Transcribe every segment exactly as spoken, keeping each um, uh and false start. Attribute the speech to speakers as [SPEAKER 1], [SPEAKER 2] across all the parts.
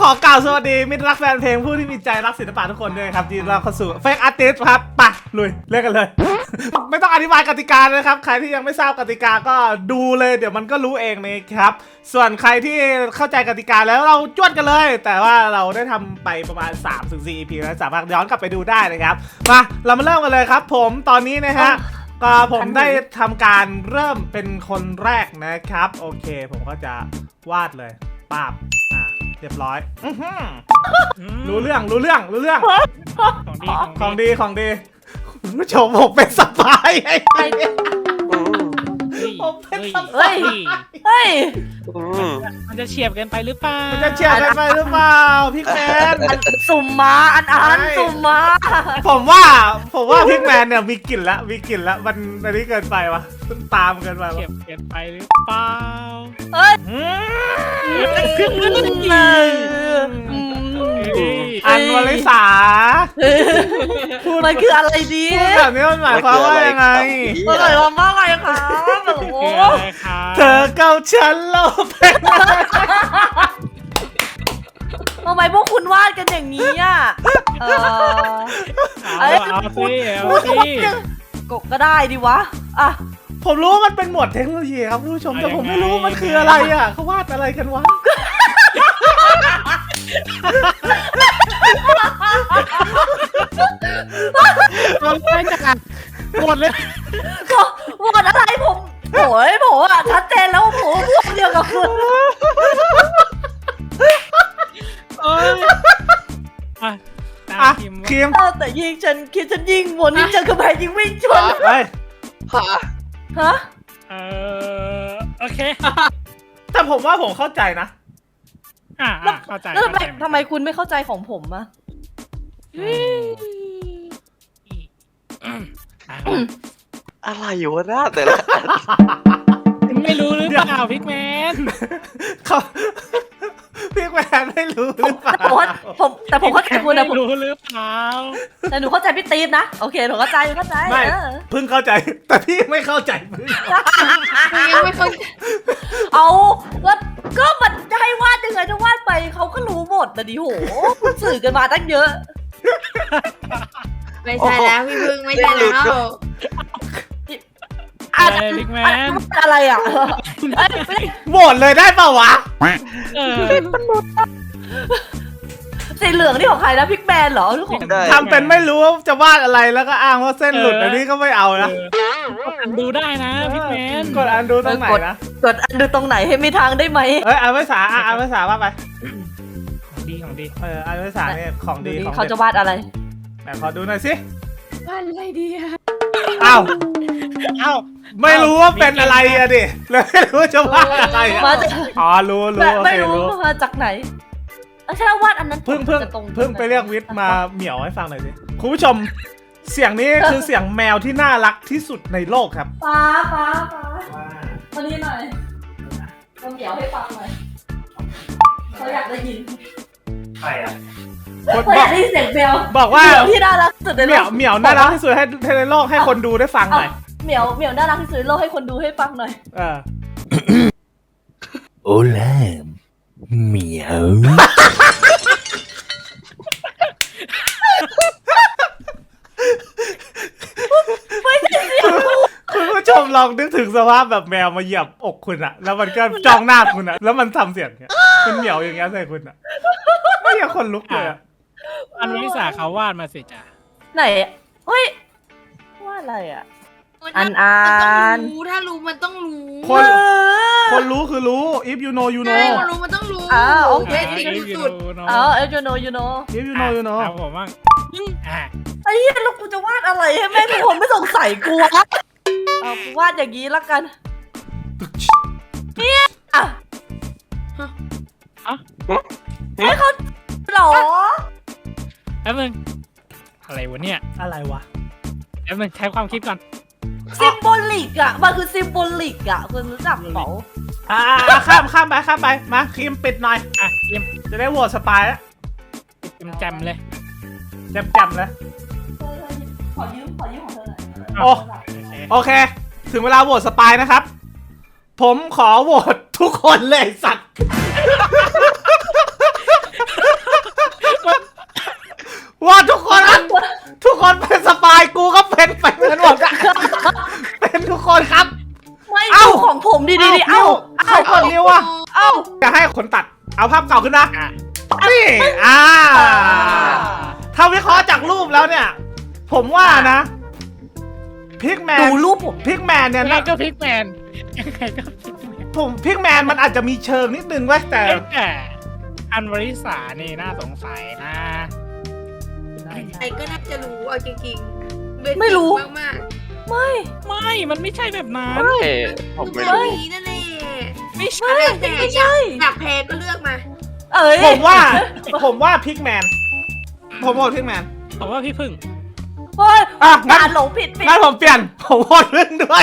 [SPEAKER 1] อกล่าวสวัสดีมิตรรักแฟนเพลงผู้ที่มีใจรักศิลปะทุกคนด้วยครับที่เราเข้าสู่เฟกอาร์ติสต์ครับไปลุยเล่นกันเลย ไม่ต้องอธิบายกติกาเลยครับใครที่ยังไม่ทราบกติกาก็ดูเลยเดี๋ยวมันก็รู้เองนะครับส่วนใครที่เข้าใจกติกาแล้วเราจวดกันเลยแต่ว่าเราได้ทำไปประมาณ สามถึงสี่ อี พี แล้วสามารถย้อนกลับไปดูได้นะครับมาเรามาเริ่มกันเลยครับผมตอนนี้นะฮะก็ผมได้ทำการเริ่มเป็นคนแรกนะครับโอเคผมก็จะวาดเลยปาบอ่ะเรียบร้อยรู้เรื่องรู้เรื่องรู้เรื่อง
[SPEAKER 2] ของดี
[SPEAKER 1] ของดีของดีคุณผู้ชมผมเป็นสปายไอ้ผมเป็นสปาย
[SPEAKER 3] เฮ้ย
[SPEAKER 2] มันจะเฉียบเกินไปหรือเปล่า
[SPEAKER 1] มันจะเฉียบกันไปหรือเปล่าพี่แมน
[SPEAKER 3] สุ่มมาอันอันสุ่มมา
[SPEAKER 1] ผมว่าผมว่าพี่แมนเนี่ยมีกลิ่นแล้วมีกลิ่นแล้วมันอันนี้เกินไปวะตามเกินไปวะ
[SPEAKER 2] เฉียบเกินไปหรือเปล่า
[SPEAKER 3] เฮ้ย
[SPEAKER 1] อันวลิสา
[SPEAKER 3] มันคืออะไรดี
[SPEAKER 1] แบบนี้มันหมายความว่ายังไง
[SPEAKER 3] มันหมายความว่าไงคะแบบโอ้
[SPEAKER 1] เธอเก้าชั้นโลภ
[SPEAKER 3] ทำไมพวกคุณวาดกันอย่างนี้อ่ะเออ
[SPEAKER 2] เอาเอาสิเอาสิ
[SPEAKER 3] กบก็ได้ดิวะอ่ะ
[SPEAKER 1] ผมรู้ว่ามันเป็นหมวดเทคโนโลยีครับผู้ชมแต่ผมไม่รู้มันคืออะไรอ่ะเขาวาดอะไรกันวะ
[SPEAKER 2] มันไม่จัดหมดเลย
[SPEAKER 3] ก็หมดอะไรผมโอ้ยผมอ่ะชัดเจนแล้วผมพวกเดียวกับคุณ
[SPEAKER 2] เอ้ย
[SPEAKER 1] อ่ะคิม
[SPEAKER 3] แต่ยิงฉันคิดฉันยิงวนยิงเจอกระแพงยิงวิ่งชน
[SPEAKER 1] เฮ้ย
[SPEAKER 3] ฮะฮะ
[SPEAKER 2] เออโอเค
[SPEAKER 1] แต่ผมว่าผมเข้าใจนะ
[SPEAKER 2] อ่าเข้าใจ
[SPEAKER 3] แล้วทำไมทำไมคุณไม่เข้าใจของผมอะ
[SPEAKER 4] อะไรอยู่วะหน้าแต่ละ
[SPEAKER 2] ไม่รู้หรือเปล่าพิกแมน
[SPEAKER 1] เขาพี่แมนไม่รู้หรือเปล่า
[SPEAKER 3] ผมแต่ผมเข้าใจคุณนะผม
[SPEAKER 2] รู้หรือเปล่า
[SPEAKER 3] แต่หนูเข้าใจพี่ตีฟนะโอเคหนูเข้าใจเข้าใจ
[SPEAKER 1] ไม่เพิ่งเข้าใจแต่พี่ไม่เข้าใจเพิ่ง
[SPEAKER 3] ยังไม่เข้าเอาก็ก็มันจะให้วาดยังไงจะวาดไปเขาก็รู้หมดแต่ดิโหคุณสื่อกันมาตั้งเยอะ
[SPEAKER 5] ไม่ใช่แล้วพี่พึ่งไม่ใช่แล้ว
[SPEAKER 2] อะไรพิกแมน
[SPEAKER 3] อะไรอ่ะ
[SPEAKER 1] โหวตเลยได้เปล่าวะ
[SPEAKER 3] สีเหลืองนี่ของใครนะพิกแมนเหรอหรือของ
[SPEAKER 1] ทำเป็นไม่รู้ว่าจะวาดอะไรแล้วก็อ้างว่าเส้นหลุดอันนี้ก็ไม่เอานะ
[SPEAKER 2] ดูได้นะพิกแมน
[SPEAKER 1] กดอันดูตรงไหนนะ
[SPEAKER 3] กดอันดูตรงไหนให้มีทางได้ไหม
[SPEAKER 1] เอ้ยอันภาษาอันภาษาว่าไป
[SPEAKER 2] ของดีของดี
[SPEAKER 1] เอออันภาษาเนี่ยของดีของ
[SPEAKER 3] เขาจะวาดอะไร
[SPEAKER 1] แต่ขอดูหน่อยสิ
[SPEAKER 5] วาดอะไรดีอะ
[SPEAKER 1] อ้าว
[SPEAKER 2] อ้าว
[SPEAKER 1] ไม่รู้ว่าเป็นอะไรอะดิเลยไม่รู้จะวาดอะไรอ๋อรู้รู้โอเครู้
[SPEAKER 3] มาจากไหนใช่วาดอันนั้น
[SPEAKER 1] เพิ่งเพิ่งเพิ่งไปเรียกวิทย์มาเหมียวให้ฟังหน่อยสิคุณผู้ชมเสียงนี้คือเสียงแมวที่น่ารักที่สุดในโลกครับ
[SPEAKER 3] ป้าป้าป้าวันนี้หน่อยต้องเหมียวให้ฟังหน่อยเขาอยากได้ยิน
[SPEAKER 1] ใครอ่ะ
[SPEAKER 3] คนบอกได้ยินเสียงแมว
[SPEAKER 1] บอกว่า
[SPEAKER 3] ที่น่ารักสุดในโลก
[SPEAKER 1] เหมียวน่ารักที่สุดให้ในโลกให้คนดูได้ฟังหน่อย
[SPEAKER 3] เหมียวเหมียวน่ารักที่สุดในโลกให้คนดูให้ฟังหน่อย
[SPEAKER 1] เออ
[SPEAKER 4] โอแลมเหมียว
[SPEAKER 1] คุณผู้ชมลองนึกถึงสภาพแบบแมวมาเหยียบอกคุณอะแล้วมันก็จ้องหน้าคุณอะแล้วมันทำเสียงเนี้ยเป็นเหมียวอย่างเงี้ยใส่คุณอะไม่อยากคนลุกเลยอะ
[SPEAKER 2] อันวิสาเขาวาดมาสิจ้ะ
[SPEAKER 3] ไหนเฮ้ยวาดอะไรอะอันอัน
[SPEAKER 5] ถ้ารู้มันต้องรู้
[SPEAKER 1] คนคนรู้คือรู้ if you know you know
[SPEAKER 5] คนรู้มันต้องรู้
[SPEAKER 3] อ่าโอเค
[SPEAKER 5] สุด
[SPEAKER 3] อ๋อ if you know you know
[SPEAKER 1] if you know you know
[SPEAKER 2] ผมว่า
[SPEAKER 3] ไอ้เหี้ยแล้วกูจะวาดอะไรให้แม่ทุกคนไม่สงสัยกูวะเอากูวาดอย่างนี้ละกันเนี่ยอ่ะให้เขาหรอ
[SPEAKER 2] แป๊บนึงอะไรวะเนี่ย
[SPEAKER 1] อะไรวะ
[SPEAKER 2] แป๊บนึงใช้ความคิดก่อน
[SPEAKER 3] ซิมโบลิกอ่ะมันคือซิมโบลิกอ่ะคุณรู้จักเปล่า
[SPEAKER 1] อ่าข้ามข้ามไปข้ามไปมาครีมปิดหน่อย
[SPEAKER 2] อ่ะครีม
[SPEAKER 1] จะได้โหวตสปายแล้ว
[SPEAKER 2] แจมเลย
[SPEAKER 1] แจมแจมเลย
[SPEAKER 3] ขอยืมขอยืมของเธอหน่อย
[SPEAKER 1] โอ้โอเคถึงเวลาโหวตสปายนะครับผมขอโหวตทุกคนเลยสัตว์เก่าขึ้นนะ
[SPEAKER 2] อ่ะ
[SPEAKER 1] นี่อ่าถ้าวิเคราะห์จากรูปแล้วเนี่ย ผมว่านะพิกแมน
[SPEAKER 3] ดูรูปผม
[SPEAKER 1] พิกแมนเนี่ย
[SPEAKER 2] ยังไง
[SPEAKER 1] นะ
[SPEAKER 2] ก็พิกแมนยังไงก็พิกแมน
[SPEAKER 1] ผมพิกแมนมันอาจจะมีเชิงนิดนึงไว้ยแต่
[SPEAKER 2] เอ้ยแต่อันวริสานี่น่าสงสัยนะ
[SPEAKER 5] ใครก็น่าจะรู้เอาจริงๆเบสิก
[SPEAKER 3] ไม่รู้
[SPEAKER 5] มาก
[SPEAKER 3] ไม่
[SPEAKER 2] ไม่มันไม่ใช่แบบนั้น
[SPEAKER 4] เฮ้ย
[SPEAKER 5] ๆ
[SPEAKER 4] ผมไม่
[SPEAKER 5] คือ
[SPEAKER 4] รู้
[SPEAKER 5] แบบนี้นั่นแหละ
[SPEAKER 2] ไม่ใช่
[SPEAKER 3] ไม่
[SPEAKER 5] แต่
[SPEAKER 3] ไม่
[SPEAKER 5] อยา
[SPEAKER 3] ใช่
[SPEAKER 5] กอยากแพ้ก็เลือกมา
[SPEAKER 3] เอ้ย
[SPEAKER 1] ผมว่า ผมว่าพิกแมนผมโหวตพิกแมน
[SPEAKER 2] ผมว่าพี่พึ่ง
[SPEAKER 3] เฮ้ย
[SPEAKER 1] อ่ะงั้น
[SPEAKER 3] อ่านหลงผิดผิด
[SPEAKER 1] งั้นผมเปลี่ยนผมโหวตเรื่องด้วย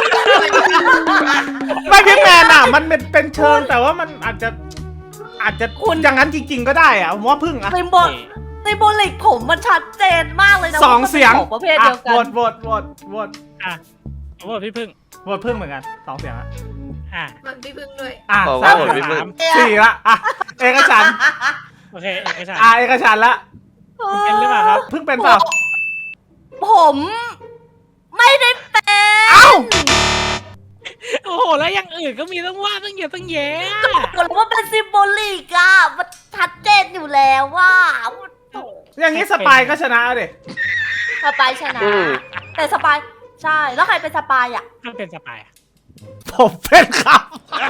[SPEAKER 1] ไม่พิกแมนอ่ะ มันเป็นเป็นเชิงแต่ว่ามันอาจจะ อาจจะคุณอย่างนั้นจริง ๆ ก็ได้อ่ะผมว่าพึ่งอ่ะ
[SPEAKER 3] ซิมโบลซิมโบลิกผมมันชัดเจนมากเลยนะ
[SPEAKER 1] สอง
[SPEAKER 3] ว่ามันป็น
[SPEAKER 1] เสียง
[SPEAKER 3] ของประเภท
[SPEAKER 1] อ่ะ
[SPEAKER 3] เดียวกั
[SPEAKER 1] โหวน ตโหวตโหวตโหวต
[SPEAKER 2] อ่ะผมว่าพี่พึ่ง
[SPEAKER 1] โหวตพึ่งเหมือนกันสองเสียงอ่ะ
[SPEAKER 2] อ่ะ
[SPEAKER 5] มันพี่พึ่งด้วย
[SPEAKER 1] อ่ะ
[SPEAKER 4] บอก
[SPEAKER 1] สา
[SPEAKER 4] ว่าม ผมไม่พึ่ง
[SPEAKER 1] สี่ละอ่ะเอกฉันท์
[SPEAKER 2] โอเคเอกฉันท์
[SPEAKER 1] อ่ะเอกฉันท์ละ
[SPEAKER 2] เป็นหรือเปล่าครับ
[SPEAKER 1] พึ่งเป็นเปล่า
[SPEAKER 3] ผมไม่ได้เป็น
[SPEAKER 1] เอ้า
[SPEAKER 2] โอ้โหแล้วอย่างอื่นก็มีต้องว่าต้องเยอะต้องแยะ
[SPEAKER 3] บอกว่าเป็นซิมโบลิกอะมันชัดเจนอยู่แล้วว่า
[SPEAKER 1] อย่างนี้สปายก็ชนะเด็
[SPEAKER 3] สปายชนะ
[SPEAKER 4] อืม
[SPEAKER 3] แต่สปายใช่ แล้วใครเป็นสปายอะ
[SPEAKER 2] ถ้าเป็นสปายอะ
[SPEAKER 1] ผมเป็นครับ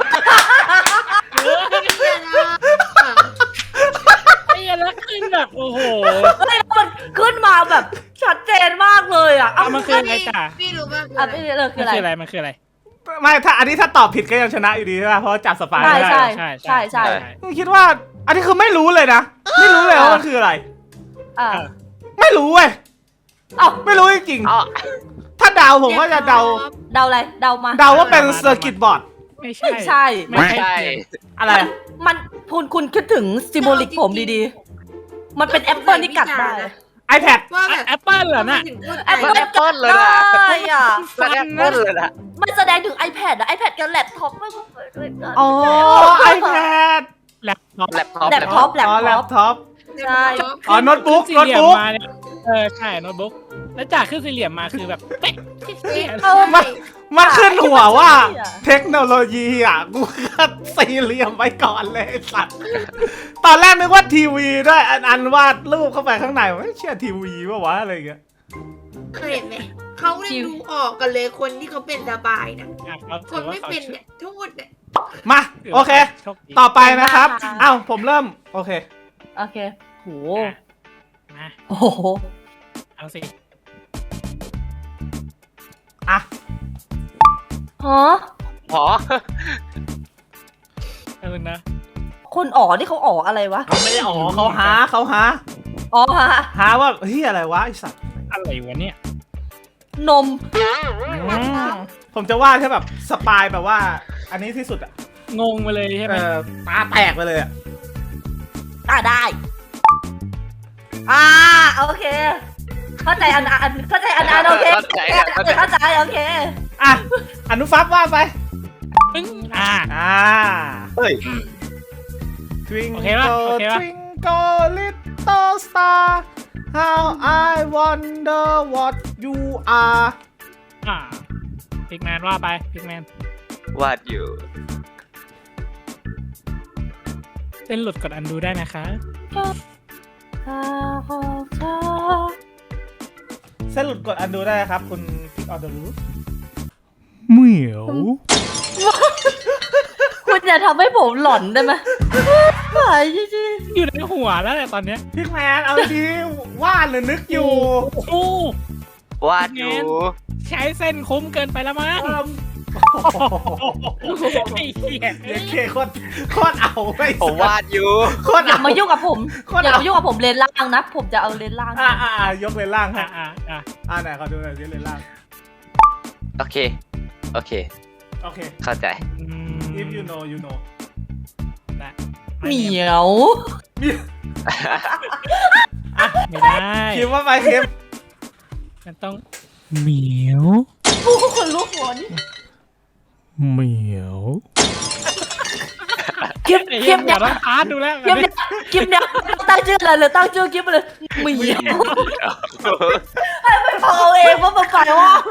[SPEAKER 2] ไอ้แล้วขึ้นแบบโอ้โห
[SPEAKER 3] เฮ้ยมันขึ้นมาแบบชัดเจนมากเลยอะ
[SPEAKER 2] เอามันคืออะไรจ้ะ
[SPEAKER 5] พี่รู้ป่ะ
[SPEAKER 3] อ่ะไม่เลยคื
[SPEAKER 2] มั
[SPEAKER 3] อน อะไร
[SPEAKER 2] คืออะไรมันคืออะไร
[SPEAKER 1] ไม่ถ้าอันนี้ถ้าตอบผิดก็ยังชนะอยู่ดีใช่ไหมเพราะว่าจับสปาย
[SPEAKER 3] ใช่
[SPEAKER 1] ไม่ได้
[SPEAKER 3] ใช่
[SPEAKER 2] ใช่
[SPEAKER 3] ใช่ใช่
[SPEAKER 1] คิดว่า อันนี้คือไม่รู้เลยนะ ไม่รู้เลยว่ามันคืออะไร
[SPEAKER 3] อ่า
[SPEAKER 1] ไม่รู้เว้ย
[SPEAKER 3] เอ้า
[SPEAKER 1] ไม่รู้จริง
[SPEAKER 4] อ๋อ
[SPEAKER 1] ๆถ้าเดาผมก็จะเดา
[SPEAKER 3] เดาอะไรเดามา
[SPEAKER 1] เดาว่าเป็นเซอร์กิตบอร์ด
[SPEAKER 2] ไม่ใช่
[SPEAKER 3] ไม่ใช่
[SPEAKER 2] ไม่
[SPEAKER 4] ใช่
[SPEAKER 2] ใช่
[SPEAKER 1] อะไร
[SPEAKER 3] มันคุณคุณคิดถึงซิมโบลิกผมดีๆ มันเป็นแอปเปิลที่กัดได้
[SPEAKER 1] iPad
[SPEAKER 5] ว่าแบบ
[SPEAKER 2] แอปเปิลเหรอน่ะ
[SPEAKER 5] ทำไมถึงพูด
[SPEAKER 3] แอป
[SPEAKER 5] ไป
[SPEAKER 3] เปิล
[SPEAKER 4] แอปเปิ้ลเลยนะ
[SPEAKER 3] ได้อ่ะ
[SPEAKER 4] แล้วแอปเปิ้ลเลยนะ
[SPEAKER 3] มันแสดงถึง iPad อะ iPad กับแล็ปท็อปไม่เหมือนด้วยกัน
[SPEAKER 1] อ๋อ iPad
[SPEAKER 2] แล็ปท็อป
[SPEAKER 4] แล็ปท็อป
[SPEAKER 3] แล็ปท็อปแล็ป
[SPEAKER 1] อ๋อแล็
[SPEAKER 3] ท็อ
[SPEAKER 1] ป
[SPEAKER 3] ป
[SPEAKER 1] ท็อป
[SPEAKER 3] ใช่
[SPEAKER 1] อ๋อโน้ตบุ๊ก
[SPEAKER 2] ขึ้
[SPEAKER 1] โน้ต
[SPEAKER 2] สี่เหลี่ยม
[SPEAKER 1] บุ๊ก
[SPEAKER 2] มาเนี่ยเออใช่โน้ตบุ๊กแล้วจากขึ้นสี่เหลี่ยมมาคือแบบเป๊ะ
[SPEAKER 3] เออ
[SPEAKER 1] มันมันขึ้นหัวว่า เทคโนโลยีอ่ะ กูก็สี่เหลี่ยมไว้ก่อนเลยไอ้สัตว์ ตอนแรกนึกว่าทีวีด้วย อันอันวาดรูปเข้าไปข้างในไม่เชื่อทีวีว่าวะอะไรอย่างเงี้ย
[SPEAKER 5] เคยเห็นไหมเขาเนี่ยดูออกกันเลยคนที่เขาเป็นสบายนะ
[SPEAKER 2] อ่ะเขา
[SPEAKER 5] ค
[SPEAKER 2] ถื
[SPEAKER 5] น
[SPEAKER 2] อว่า
[SPEAKER 5] ไม่
[SPEAKER 2] เขา
[SPEAKER 5] เป็นเนี่ยโทษเนี่ย
[SPEAKER 1] มา โอเค
[SPEAKER 2] โชคดี
[SPEAKER 1] ต่อไปนะครับ เอ้า ผมเริ่ม โอเค
[SPEAKER 3] โอเคโห
[SPEAKER 2] มา
[SPEAKER 3] โอ้โห
[SPEAKER 2] เอาสิ
[SPEAKER 1] อ่ะ
[SPEAKER 3] ฮะ
[SPEAKER 4] หอ
[SPEAKER 2] เอามึงนะ
[SPEAKER 3] คนอ๋อนี่เขาอ๋ออะไรวะ
[SPEAKER 1] เขาไม่ได้อ๋อเขาหาเขาหา
[SPEAKER 3] อ๋อฮะ
[SPEAKER 1] หาว่าเฮ้ยอะไรวะไอสัตว์
[SPEAKER 2] อะไรวะเนี่ย
[SPEAKER 3] นม
[SPEAKER 1] อืมผมจะวาดแค่แบบสปายแบบว่า อันนี้ที่สุดอ่ะ
[SPEAKER 2] งงไปเลยใช่ไห
[SPEAKER 1] เอ
[SPEAKER 2] ม
[SPEAKER 1] อตาแตกไปเลยอ่ะ
[SPEAKER 3] อ่ะได้ อ่าโอเค เข้าใจอันอันเข้าใจอันอันโอเค
[SPEAKER 4] เข้าใจเข้าใจ
[SPEAKER 3] เข้าใจโอเค
[SPEAKER 1] อ่ะ อนุฟับว่าดไป
[SPEAKER 2] ปึ้งอ่า
[SPEAKER 1] อ่า
[SPEAKER 4] เฮ้ย
[SPEAKER 2] โอเคปะ
[SPEAKER 1] Twinkle
[SPEAKER 2] โอเคปะ
[SPEAKER 1] Twinkle little star how I wonder what you are
[SPEAKER 2] อ่าพิกแมนว่าไปพิกแมน
[SPEAKER 4] วาดอยู่
[SPEAKER 2] เส้นหลุดกดอันดูได้นะคะ
[SPEAKER 1] เส้นหลุดกดอันดูได้ครับ คุณ Pick on the roof เหมียว
[SPEAKER 3] คุณอย่าทำให้ผมหลอนได้ไหมหายจริง
[SPEAKER 2] อยู่ในหัวแล้วแหละตอนเนี้ย
[SPEAKER 1] พิกแมนเอาดีวาดหรือนึกอยู่
[SPEAKER 2] โอ้โห
[SPEAKER 4] วาดอยู่
[SPEAKER 2] ใช้เส้นคุ้มเกินไปแล้วมั้ง
[SPEAKER 1] เอิ่ม
[SPEAKER 2] ไอ้เหี้ย
[SPEAKER 1] เด็กเคโคตรโคตรเอาไป
[SPEAKER 4] ผมวาดอยู่
[SPEAKER 1] โคตร
[SPEAKER 3] ๆอย่า
[SPEAKER 1] เอา
[SPEAKER 3] มายุ่งกับผม
[SPEAKER 1] โคตร
[SPEAKER 3] อย่า
[SPEAKER 1] เอา
[SPEAKER 3] มายุ่งกับผมเลนล่างนะ ผมจะเอาเลนล่าง
[SPEAKER 1] อ่าอ่าอ่ายกเลนล่างให้
[SPEAKER 2] อ่าอ่าอ่า
[SPEAKER 1] อ่าไหนขอดูหน่อยสิเลนล่าง
[SPEAKER 4] โอเค โอเค
[SPEAKER 1] โอเค
[SPEAKER 4] เข้าใจ
[SPEAKER 2] อืม
[SPEAKER 1] if you know you know
[SPEAKER 2] นะ
[SPEAKER 3] เหมียว
[SPEAKER 2] ไม่ได้
[SPEAKER 1] คิดว่าไปคิม
[SPEAKER 2] มันต้องเหมียว
[SPEAKER 3] ผู้คนรู้หัวนี่
[SPEAKER 1] เหมียว
[SPEAKER 3] คลิป
[SPEAKER 2] ไอ้
[SPEAKER 3] ค
[SPEAKER 2] เหี้
[SPEAKER 3] ลิ
[SPEAKER 2] ย
[SPEAKER 3] ป
[SPEAKER 2] เดี๋
[SPEAKER 3] เนี่ย
[SPEAKER 2] วย ต้องพาร์ทดูแล้ว
[SPEAKER 3] คลิปเนี่ยคลิปเนี่ยตั้งชื่ออะไรเลยตั้งชื่อคลิปไปเลยเหมียวไปฟังเอาเองว่ามันแปลว่าอะไร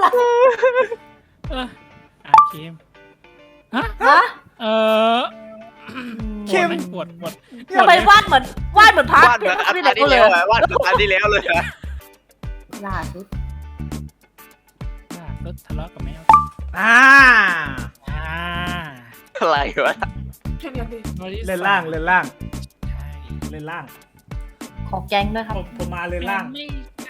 [SPEAKER 2] เอออ่ะคิมฮะ
[SPEAKER 3] ฮะ
[SPEAKER 2] เออ
[SPEAKER 3] อืม
[SPEAKER 1] คิม
[SPEAKER 2] ปวดปวด
[SPEAKER 3] ทำไมวาดเหมือนวาดเหมือนพัก
[SPEAKER 4] วาดเหมือนอัน
[SPEAKER 3] ที่
[SPEAKER 4] อั
[SPEAKER 3] เด็
[SPEAKER 4] น
[SPEAKER 3] ก
[SPEAKER 4] ที่
[SPEAKER 3] เล
[SPEAKER 4] แล้
[SPEAKER 3] ยว
[SPEAKER 4] อะวาดเหมือนอันที่แล้วเลยอะ
[SPEAKER 3] ล่าสุด
[SPEAKER 2] อ่ะรถทะเลาะกับแมว
[SPEAKER 1] อ่า
[SPEAKER 2] อ่า
[SPEAKER 4] อะไรวะ
[SPEAKER 1] เล่นล่างเล่นล่าง
[SPEAKER 2] ใช่
[SPEAKER 1] เล่นล่าง
[SPEAKER 3] ขอแก๊งด้วยครับ
[SPEAKER 1] ผมผมมาเล่นล่าง
[SPEAKER 2] ไม่ใช่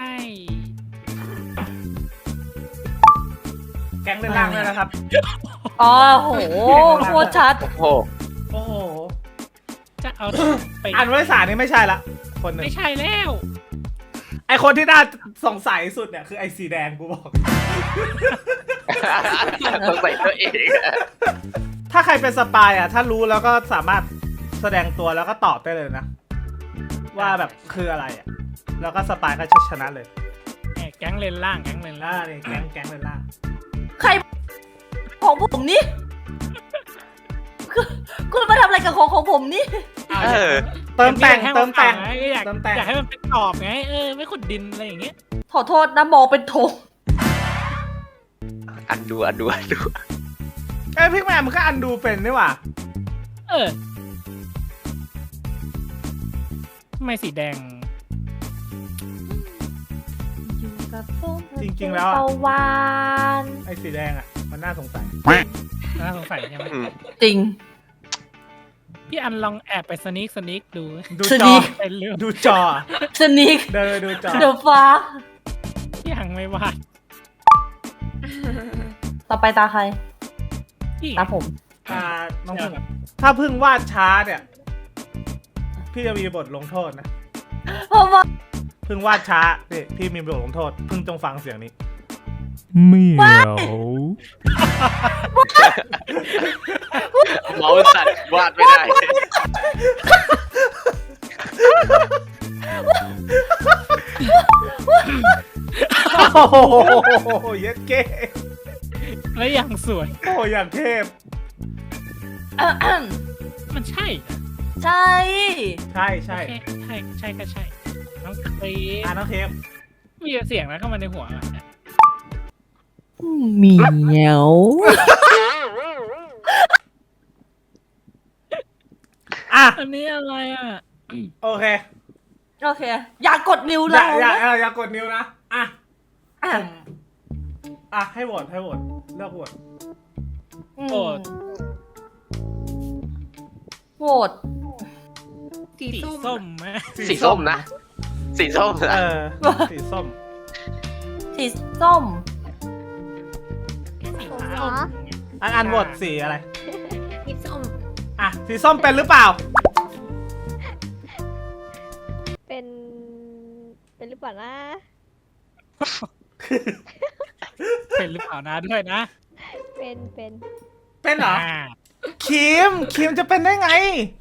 [SPEAKER 1] แก๊งเล่นล่างด้วยนะครับ
[SPEAKER 3] อ๋อโหโคตรชัด
[SPEAKER 4] โอ้โห
[SPEAKER 1] โอ้โห
[SPEAKER 2] จะเอาไป
[SPEAKER 1] อันวริสานี่ไม่ใช่ละ คนหนึ่ง
[SPEAKER 2] ไม่ใช่แล้ว
[SPEAKER 1] ไอคนที่น่าสงสัยสุดเนี่ยคือไอสีแดงกูบอก
[SPEAKER 4] สงสัยตัวเองอะ
[SPEAKER 1] ถ้าใครเป็นสปายอ่ะ ถ้ารู้แล้วก็สามารถแสดงตัวแล้วก็ตอบได้เลยนะ ว่าแบบคืออะไรอ่ะ แล้วก็สปายก็ชนะเลย
[SPEAKER 2] แหม่แก๊งเลนล่างแก๊งเลน
[SPEAKER 1] ล่า
[SPEAKER 2] ล่าง
[SPEAKER 1] เนี่ยแก๊งแก๊งเลยล่า
[SPEAKER 3] ใครของผมนี่ คุณคุณมาทำอะไรกับของของผมนี่
[SPEAKER 4] เออ
[SPEAKER 1] เติมแต่ง
[SPEAKER 2] ให้
[SPEAKER 1] เติมแต่ง
[SPEAKER 2] นก็อยาก
[SPEAKER 1] เติมแต่ง
[SPEAKER 2] อยากให้มันเป็นตอบไงเออไม่ขุดดินอะไรอย่างเงี้ย
[SPEAKER 3] ขอโทษนะมองเป็นธง
[SPEAKER 4] อันดูอันดูอันดู
[SPEAKER 1] เอ้ยพี่แมนมันก็อันดูเป็นนี่หว่า
[SPEAKER 2] เออทำไมสีแดง
[SPEAKER 1] จริงๆแล้วอะ
[SPEAKER 3] ตะวัน
[SPEAKER 1] ไอสีแดงอ่ะ มันน่าสงสัย
[SPEAKER 2] น่าสงสัยใช่ไหม
[SPEAKER 4] อืม
[SPEAKER 3] จริง
[SPEAKER 2] พี่อันลองแอบไปสนิกสนิกดู
[SPEAKER 1] ดู
[SPEAKER 3] ส
[SPEAKER 1] จ
[SPEAKER 3] นิ
[SPEAKER 1] อ
[SPEAKER 3] ท
[SPEAKER 2] เป็นเรื่อง
[SPEAKER 1] ดูจอ
[SPEAKER 3] สนิก
[SPEAKER 1] เดินดูจอ
[SPEAKER 3] เดอะฟ้า
[SPEAKER 2] ยังไม่วาด
[SPEAKER 3] ต่อไปตาใคร
[SPEAKER 2] พี่
[SPEAKER 3] ตาผม
[SPEAKER 1] อ่าน้องพึ่งถ้าพึ่งวาดช้าเนี่ย พี่จะมีบทลงโทษนะ
[SPEAKER 3] เพราะว่า
[SPEAKER 1] พึ่งวาดช้านี่พี่มีบทลงโทษ พึ่งจงฟังเสียงนี้
[SPEAKER 2] เหมียว
[SPEAKER 4] เมาส์สั่นวาดไม่ได้
[SPEAKER 1] โอ้โหเย็ดเก้
[SPEAKER 2] แล้วยังสวย
[SPEAKER 1] โอ้อย่างเทพ
[SPEAKER 2] มันใช่เหรอ
[SPEAKER 3] ใช่
[SPEAKER 1] ใช่ใช่
[SPEAKER 2] ใช่ใช่ใช่ก็ใช่น้องครี
[SPEAKER 1] อ่าน้องเทพ
[SPEAKER 2] มีเสียงแล้วเข้ามาในหัวอะ
[SPEAKER 3] เหมียว
[SPEAKER 1] อ่ะ
[SPEAKER 2] อันนี้อะไรอ่ะ
[SPEAKER 1] โอเค
[SPEAKER 3] โอเค อย่ากดนิ้ว
[SPEAKER 1] อ
[SPEAKER 3] เรา
[SPEAKER 1] ย่าอย่า
[SPEAKER 3] นะ
[SPEAKER 1] อย่าอย่ากดนิ้วนะ อ่ะ
[SPEAKER 3] อ่ะ
[SPEAKER 1] ผมอ่ะ ให้โหวตให้โหวตเลือกโหวต
[SPEAKER 3] อืม
[SPEAKER 2] โหวต
[SPEAKER 3] โหวต
[SPEAKER 5] สี
[SPEAKER 2] สี
[SPEAKER 5] ส้ม
[SPEAKER 2] ส้มไหม
[SPEAKER 4] สีส้มนะ สีส้ม
[SPEAKER 1] เอ
[SPEAKER 4] นะ
[SPEAKER 1] อ สีส้ม
[SPEAKER 3] สีส้ม
[SPEAKER 2] สีส้ม
[SPEAKER 1] อันอันโหวตสีอะไร
[SPEAKER 5] สีส้ม
[SPEAKER 1] อ่ะ สีส้มเป็นหรือเปล่า
[SPEAKER 6] เป็น เป็นหรือเปล่านะ
[SPEAKER 2] เป็นหรือเปล่านะด้วยนะ
[SPEAKER 6] เป็น เป็น
[SPEAKER 1] เป็นเหรอ
[SPEAKER 2] อ่า
[SPEAKER 1] คิม คิมจะเป็นได้ไง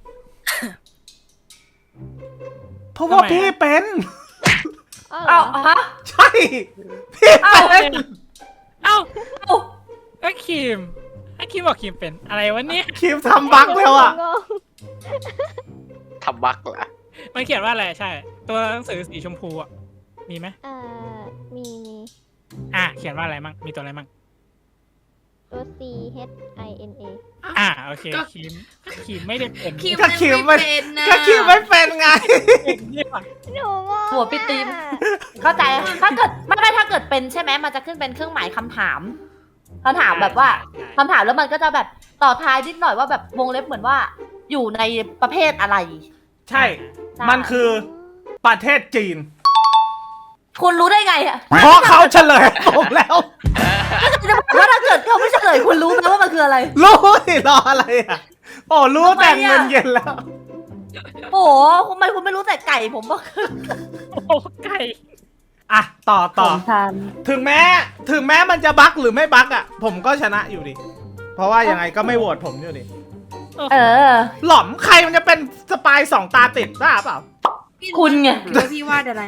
[SPEAKER 1] เพราะว่า
[SPEAKER 2] ทำไมอะ
[SPEAKER 1] พี่เป็น
[SPEAKER 6] อ้าวเหร
[SPEAKER 3] เอา
[SPEAKER 6] อ
[SPEAKER 3] ฮะ
[SPEAKER 1] ใช่ พี่
[SPEAKER 3] เอ้า
[SPEAKER 1] เป็น
[SPEAKER 2] เอ้า
[SPEAKER 3] เอา
[SPEAKER 2] ก็คิมไอ้คิมบอกคิมเป็นอะไรวะเนี่ย
[SPEAKER 1] คิมทำบั๊กแล้วอ่ะ
[SPEAKER 6] งง
[SPEAKER 4] ทำบักเหรอ
[SPEAKER 2] มันเขียนว่าอะไรใช่ ตัวหนังสือสีชมพูอ่ะ มีไหม
[SPEAKER 6] อ่า มี มี
[SPEAKER 2] อ่ะ เขียนว่าอะไรมั่ง มีตัวอะไรมั่ง
[SPEAKER 6] ตัว C H I N A
[SPEAKER 2] อ่ะ โอเค คิมคิมไม่ได้เป็น
[SPEAKER 5] คิม
[SPEAKER 1] ก็คิม
[SPEAKER 5] ไม่
[SPEAKER 1] ไม่
[SPEAKER 5] เป็นนะ
[SPEAKER 1] ก็คิมไม่เป็นไง
[SPEAKER 2] เป็นเนี่ยว่ะ
[SPEAKER 6] หนูงง
[SPEAKER 3] หัวพี่ตีม
[SPEAKER 6] อะ
[SPEAKER 3] เข้าใจ ถ้าเกิดไม่ไม่ถ้าเกิดเป็นใช่ไหมมันจะขึ้นเป็นเครื่องหมายคำถามคำถามแบบว่า
[SPEAKER 2] ใช่
[SPEAKER 3] คำถามแล้วมันก็จะแบบต่อท้ายนิดหน่อยว่าแบบวงเล็บเหมือนว่า อยู่ในประเภทอะไร
[SPEAKER 1] ใช่
[SPEAKER 3] ใช่
[SPEAKER 1] มันคือประเทศจีน
[SPEAKER 3] คุณรู้ได้ไงอะ
[SPEAKER 1] เพราะเขาเฉลยผมแล้ว
[SPEAKER 3] จะบอกว่าถ้าเกิดเขาไม่เฉลยคุณรู้ไหมว่ามันคืออะไร
[SPEAKER 1] รู้สิรออะไรอ่ะ โอ้รู้แต่
[SPEAKER 3] ทำไมอะ
[SPEAKER 1] เงินเย็นแล้ว
[SPEAKER 3] โอ้โหทำไมคุณไม่รู้แต่ไก่ผมว่าคือ
[SPEAKER 2] โอ้โหไก่
[SPEAKER 1] อ่ะ ต่อต่อ
[SPEAKER 3] ผมทาน
[SPEAKER 1] ถึงแม้ ถึงแม้มันจะบั๊กหรือไม่บั๊กอ่ะ ผมก็ชนะอยู่ดิ เพราะว่ายังไงก็ไม่โหวตผมอยู่ดิ
[SPEAKER 3] เออ
[SPEAKER 1] หล่อมใครมันจะเป็นสปายสองตาติดบ้าเปล่า
[SPEAKER 5] พี่
[SPEAKER 3] คุณไง
[SPEAKER 5] หนูคิดว่าพี่วาดอะไร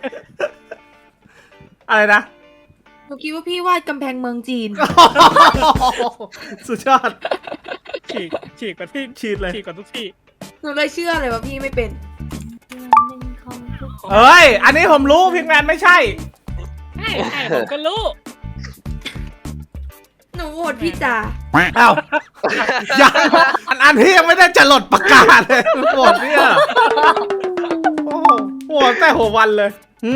[SPEAKER 1] อะไรนะ
[SPEAKER 5] หนูคิดว่าพี่วาดกำแพงเมืองจีน
[SPEAKER 1] สุดยอด
[SPEAKER 2] ฉีกฉีกกว่าที่
[SPEAKER 1] ชีดเลย
[SPEAKER 2] ฉีกกว่าทุกที่
[SPEAKER 5] หนูเลยเชื่อเลยว่าพี่ไม่เป็น
[SPEAKER 1] เอ้ย อันนี้ผมรู้พิงแมนไม่ใช่
[SPEAKER 2] ใช่ใช่ผมก็รู้
[SPEAKER 5] หนูโหวตพี่จ๋า
[SPEAKER 1] เอ้ายังอันอันที่ยังไม่ได้จะหลดประกาศเลยโหวตเนี่ยโอ้โหโหวตแต่หัววันเลยอื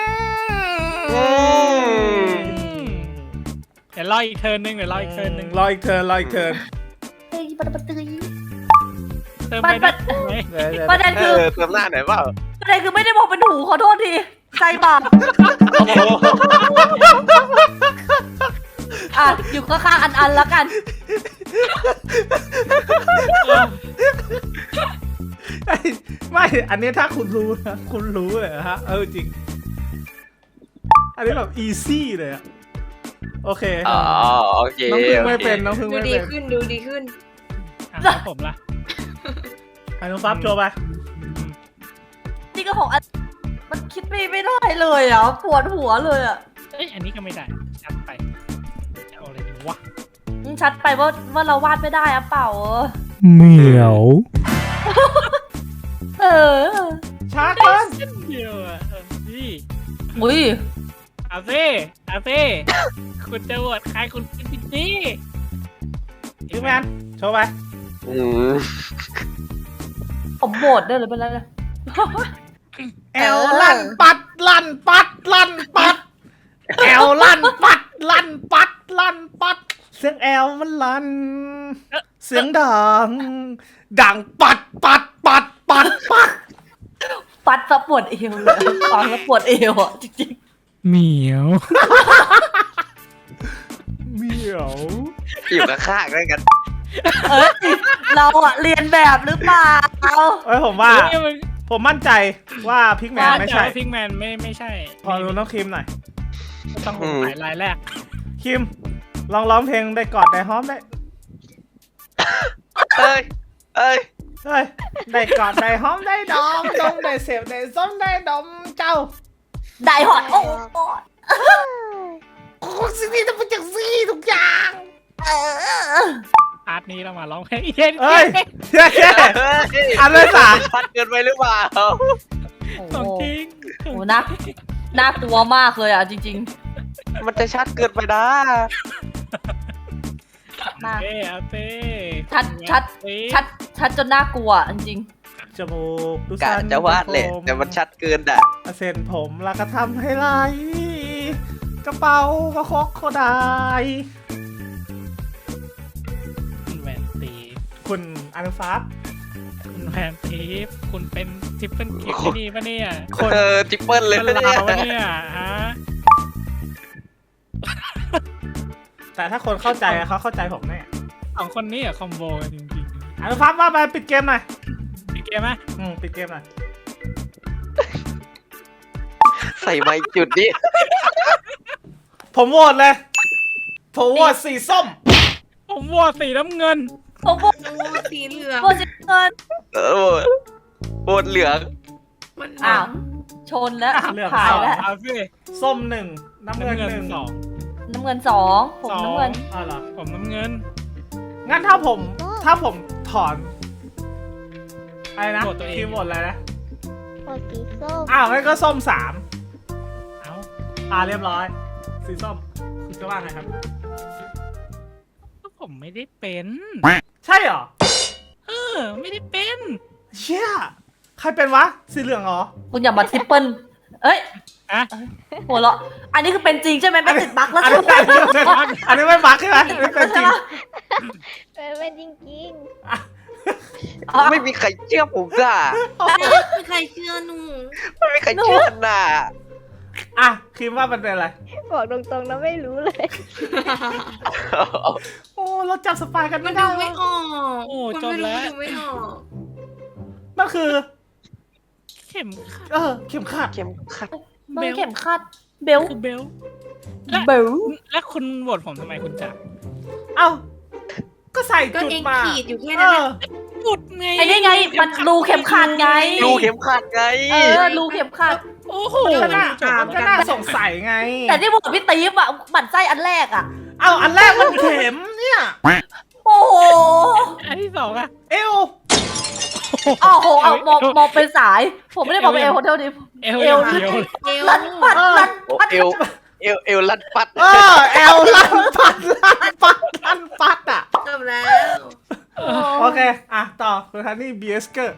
[SPEAKER 1] ม
[SPEAKER 2] เดี๋ยวรออีกเทิร์นหนึงเดี๋ยวรออีกเทิร์นหนึง
[SPEAKER 1] รออีกเทิร์นรออีกเทิร์น
[SPEAKER 3] เฮ้ยปะปะตึย
[SPEAKER 2] เติมไปได้ไหม
[SPEAKER 1] เดี๋ยวเดี๋ยว
[SPEAKER 3] ประเด็น
[SPEAKER 4] เอ
[SPEAKER 3] คือ
[SPEAKER 4] อเติมหน้าหน่อยเปล่า
[SPEAKER 3] ประเด็นคือไม่ได้มองเป็นหูขอโทษทีใจบาปอ่ะอยู่ข้างๆอันอันๆแล้วกัน
[SPEAKER 1] ไอ้ไม่อันนี้ถ้าคุณรู้นะคุณรู้เลยนะฮะเออจริง อันนี้แบบอีซี่เลยอะโอเค
[SPEAKER 4] อ๋อโอเค
[SPEAKER 1] น้องพึ่ง
[SPEAKER 4] โอ
[SPEAKER 1] ไม่
[SPEAKER 4] เค
[SPEAKER 1] เป็นน้องพึ่ง
[SPEAKER 5] ดู
[SPEAKER 1] ไม่
[SPEAKER 5] ดี
[SPEAKER 1] เป็น
[SPEAKER 5] ขึ้นดูดีขึ้น
[SPEAKER 2] อ่ะแล้วผมล่ะ
[SPEAKER 1] ไอ้น้องฟับโชว์ไป
[SPEAKER 3] นี่ก็ของอันมันคิดไม่ไม่ได้เลยอ่ะปวดหัวเลยอ่ะ
[SPEAKER 2] เอ้ยอันนี้ก็ไม่ได้จัดไปจะเอาอะไรดีวะ
[SPEAKER 3] อืมชัดไปว่าว่าเราวาดไม่ได้อะเปล่า
[SPEAKER 1] เหมียว
[SPEAKER 3] เออ
[SPEAKER 1] ช้าเกิน
[SPEAKER 2] เส้นเดียวอ่ะเออนี่
[SPEAKER 3] อุ้ย
[SPEAKER 2] เอาซิเอาซิคุณจะโหวตใครคุณเป็นพี่นี่
[SPEAKER 1] พิกแมนโชว์ไป
[SPEAKER 4] อืม
[SPEAKER 3] ผมโหวตได้เลยเป็นไรเลย
[SPEAKER 1] แอลลั่นปัดลั่นปัดลั่นปัดแอลลั่นปัดลั่นปัดลั่นปัดเสียงแอลมันลั่นเสียงดังดังปัดปัดปัดปัดปัด
[SPEAKER 3] ปัดซะปวดเอวเลยฟังแล้วปวดเอวอ่ะจริง
[SPEAKER 2] เหมียว
[SPEAKER 1] เหมียว
[SPEAKER 4] อยู่ข้างๆด้วยกัน
[SPEAKER 3] ๆเอ้ยเราอะเรียนแบบหรือเปล่า
[SPEAKER 1] เอ้ยผมว่า
[SPEAKER 2] เฮ้ยมัน
[SPEAKER 1] ผมมั่นใจว่าพิกแมนไม่ใช่
[SPEAKER 2] พิงแมนไม่ไม่ใช่
[SPEAKER 1] พอรู้น้องคิมหน่อย
[SPEAKER 2] ต้องสงสัยรายแรก
[SPEAKER 1] คิมลองร้องเพลงได้กอดได้หอมได้
[SPEAKER 4] เอ้ย เอ้ย
[SPEAKER 1] เฮ้ยได้กอดได้หอมได้ดอมดมได้เสพได้ส้มได้ดมเจ้า
[SPEAKER 3] ได้หอดโอ้โห
[SPEAKER 1] โอ้สิ่งนี้จะเป็นจากซี่ทุกอย่าง
[SPEAKER 3] เออ
[SPEAKER 2] อาร์ตนี้เรามาร้องเพลงเย็น
[SPEAKER 1] เอ้ยเย้เย้
[SPEAKER 4] เฮ้ย
[SPEAKER 1] อันเลยสาม
[SPEAKER 4] ชัดเกินไปหรือเปล่า
[SPEAKER 2] ของจริง
[SPEAKER 3] โอ้โหน่าน่ากลัวมากเลยอ่ะจริง
[SPEAKER 4] มันจะชัดเกินไปนะ
[SPEAKER 3] ๆมาก
[SPEAKER 2] เอ้เอาเต้
[SPEAKER 3] ชัดชัด ชัดชัดจนน่ากลัวจริง
[SPEAKER 1] จมูกดู
[SPEAKER 4] กะ
[SPEAKER 1] สัน
[SPEAKER 4] จะวาดแหละแต่มันชัดเกินอ่ะ
[SPEAKER 1] เส้นผมแล้วก็ทำให้ไหลกระเป๋าก็คกโคได้
[SPEAKER 2] คุณแหวนตี
[SPEAKER 1] คุณอนุฟ้า
[SPEAKER 2] คุณแหวนตีคุณเป็นทิปเปิลกิฟต์นี่ปะเนี่ย
[SPEAKER 1] คน
[SPEAKER 4] เออทิปเปิลเลย
[SPEAKER 2] เป็น
[SPEAKER 4] นะ
[SPEAKER 2] เราปะ
[SPEAKER 4] เนี่ย
[SPEAKER 2] เนี่ยฮะ
[SPEAKER 1] แต่ถ้าคนเข้าใจอะเขาเข้าใจผมแน่
[SPEAKER 2] สองคนนี้อะคอมโบกันจริง
[SPEAKER 1] อนุฟ้าว่าไปปิดเกมหน่อย
[SPEAKER 2] ๆพี่เกมไหม
[SPEAKER 1] อืมปิดเกมหน่อย
[SPEAKER 4] ใส่ไม้จุดนี้
[SPEAKER 1] ผมโหวตเลย ผมโหวตสีส้ม
[SPEAKER 2] ผมโหวตสีน้ำเงิน
[SPEAKER 3] ๆผมบอก
[SPEAKER 5] หนูโหวตสีเหลือง
[SPEAKER 3] โบสิเกิน
[SPEAKER 4] เออโบนเหลือง
[SPEAKER 5] มันห
[SPEAKER 3] อ้า
[SPEAKER 5] นั
[SPEAKER 3] ว
[SPEAKER 5] ง
[SPEAKER 3] ชนแล้ว
[SPEAKER 1] เลือก
[SPEAKER 3] ถ่ายแล้ว
[SPEAKER 2] เอาสิ
[SPEAKER 1] ส้มหนึ่งน้ำเงิน
[SPEAKER 2] น้ำเงิน
[SPEAKER 1] หนึ่ง
[SPEAKER 2] สอง
[SPEAKER 3] น้ำเงินสองผม
[SPEAKER 2] สอง
[SPEAKER 3] น้ำเงิน
[SPEAKER 1] อ๋อเหรอ
[SPEAKER 2] ผมน้ำเงิน
[SPEAKER 1] งั้นถ้าผมถ้าผมถอนอะไรนะ
[SPEAKER 2] โหวตตัวเอง
[SPEAKER 1] คีย์โหวตอะไรนะ
[SPEAKER 6] โหวตสีส้ม
[SPEAKER 1] อ้าวงั้นก็ส้มสาม
[SPEAKER 2] เอ้า
[SPEAKER 1] อ่าเรียบร้อย สีส้มคุณจะว่าไงครับ
[SPEAKER 2] ผมไม่ได้เป็น
[SPEAKER 1] ใช่เหรอ
[SPEAKER 2] เออ ไม่ได้เป็น
[SPEAKER 1] เชี่ยใครเป็นวะ สีเหลืองเหรอ
[SPEAKER 3] คุณอย่ามาทริปเปิลเอ้ย
[SPEAKER 2] อะ
[SPEAKER 3] หัวเราะอันนี้คือเป็นจริงใช่ไหมไม่ติดบั๊กแล้ว
[SPEAKER 1] อัน
[SPEAKER 3] ใช่
[SPEAKER 1] นี้
[SPEAKER 3] ไหม
[SPEAKER 1] อันนี้ไม่บักใช่ไหมอันนี้เป็นจริง
[SPEAKER 6] เป็นเป็นจริง
[SPEAKER 3] อ๋อ
[SPEAKER 4] ไม่มีใครเชื่อผมน่ะ
[SPEAKER 5] ไม่มีใครเชื่อหนู
[SPEAKER 4] ไม่มีใครเชื่อน่ะ
[SPEAKER 1] อ่ะคิดว่ามันเป็นอะไร
[SPEAKER 6] ๆ บอกตรงๆนะไม่รู้เลย
[SPEAKER 1] โอ้เราจับสปายกัน
[SPEAKER 5] มั
[SPEAKER 1] ไม่
[SPEAKER 5] น
[SPEAKER 1] ได้
[SPEAKER 5] ดูไม่
[SPEAKER 1] วะ
[SPEAKER 5] ออก
[SPEAKER 2] โอ้
[SPEAKER 5] คน
[SPEAKER 2] จบ
[SPEAKER 5] ไม่รู้
[SPEAKER 2] แล้ว
[SPEAKER 5] ดูไม่ออก
[SPEAKER 1] มันคือ
[SPEAKER 2] เข็มขัด
[SPEAKER 1] เออ เข็มขัด
[SPEAKER 4] เข็มขัด
[SPEAKER 3] มันเข็มขัดเบล
[SPEAKER 2] คือเบล
[SPEAKER 3] เบล
[SPEAKER 2] แล้วคุณโหวตผมทำไมคุณจักร
[SPEAKER 1] เอ้า ก็ใส่
[SPEAKER 5] ก็
[SPEAKER 1] จุด
[SPEAKER 5] เอง
[SPEAKER 1] มา
[SPEAKER 5] ขีดอยู่แค่
[SPEAKER 1] เอ
[SPEAKER 5] นั้น
[SPEAKER 1] อ
[SPEAKER 5] น่ะ
[SPEAKER 2] หยุดไง
[SPEAKER 3] ไอ้นี่ไงมันรูเข็มขัดไง
[SPEAKER 4] รูเข็มขัดไง
[SPEAKER 3] เออรูเข็มขัด
[SPEAKER 2] โอ้โห
[SPEAKER 1] มันก็น่ามันก็น่าสงสัยไง
[SPEAKER 3] แต่ที่บอกพี่ตีฟอะหมั่นไส้อันแรกอะ
[SPEAKER 1] เอ้า อันแรกมันเข็มเนี่ย
[SPEAKER 3] โอ้โห
[SPEAKER 2] อันที่สองอะ
[SPEAKER 1] เอว
[SPEAKER 3] อ้าวโหเอามองมองเป็นสาย ผมไม่ได้บอกเป็นเอลโฮเทลนี้
[SPEAKER 2] เอว
[SPEAKER 3] เอ
[SPEAKER 2] เอ
[SPEAKER 3] ว
[SPEAKER 2] วเดียว
[SPEAKER 5] เอว
[SPEAKER 3] ลันปัดลัน
[SPEAKER 4] โอ้
[SPEAKER 3] ปัด
[SPEAKER 4] เอว เอเอวเอวลัดปัด
[SPEAKER 1] เออแอลลั่นปัดลั่นปัดลั่นปัดอ่ะ
[SPEAKER 5] จบแล้ว
[SPEAKER 1] โอเค อ่ะ ต่อคุณฮันนี่บีเอสเกอร์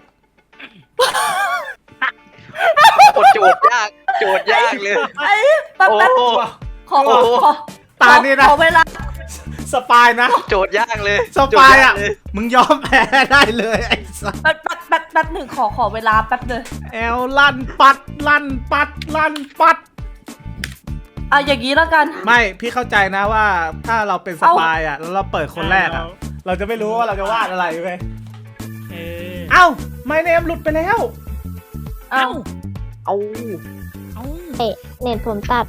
[SPEAKER 4] กดโจทย์ยากโจทย์ยากเลย
[SPEAKER 3] ไอ้แป๊บ
[SPEAKER 4] โอ้
[SPEAKER 3] แป๊บ
[SPEAKER 4] โห
[SPEAKER 3] ขอขอขอ
[SPEAKER 1] ตานี่นะ
[SPEAKER 3] ขอเวลา
[SPEAKER 1] สปายนะ
[SPEAKER 4] โจทย์ยากเลย
[SPEAKER 1] สปายอ่ะ
[SPEAKER 4] โจทกเลย
[SPEAKER 1] มึงยอมแพ้ได้เลยไอ้สัส
[SPEAKER 3] แป๊บแป๊บแป๊บแป๊บหนึ่งขอขอเวลาแป๊บเลย
[SPEAKER 1] แอลลั่นปัดลั่นปัดลั่นปัด
[SPEAKER 3] อ่ะอย่างนี้แล้วกัน
[SPEAKER 1] ไม่ พี่เข้าใจนะว่าถ้าเราเป็นสปายอ่ะ แล้วเราเปิดคนแรกอ่ะ เราจะไม่รู้ว่าเราจะวาดอะไรเว้ย
[SPEAKER 2] เออ
[SPEAKER 1] เอ้าไม่เนมหลุดไปแล้ว
[SPEAKER 3] เอ้า
[SPEAKER 4] เอา
[SPEAKER 2] เอ้า
[SPEAKER 6] เอ๊ะเน็ตผมตัด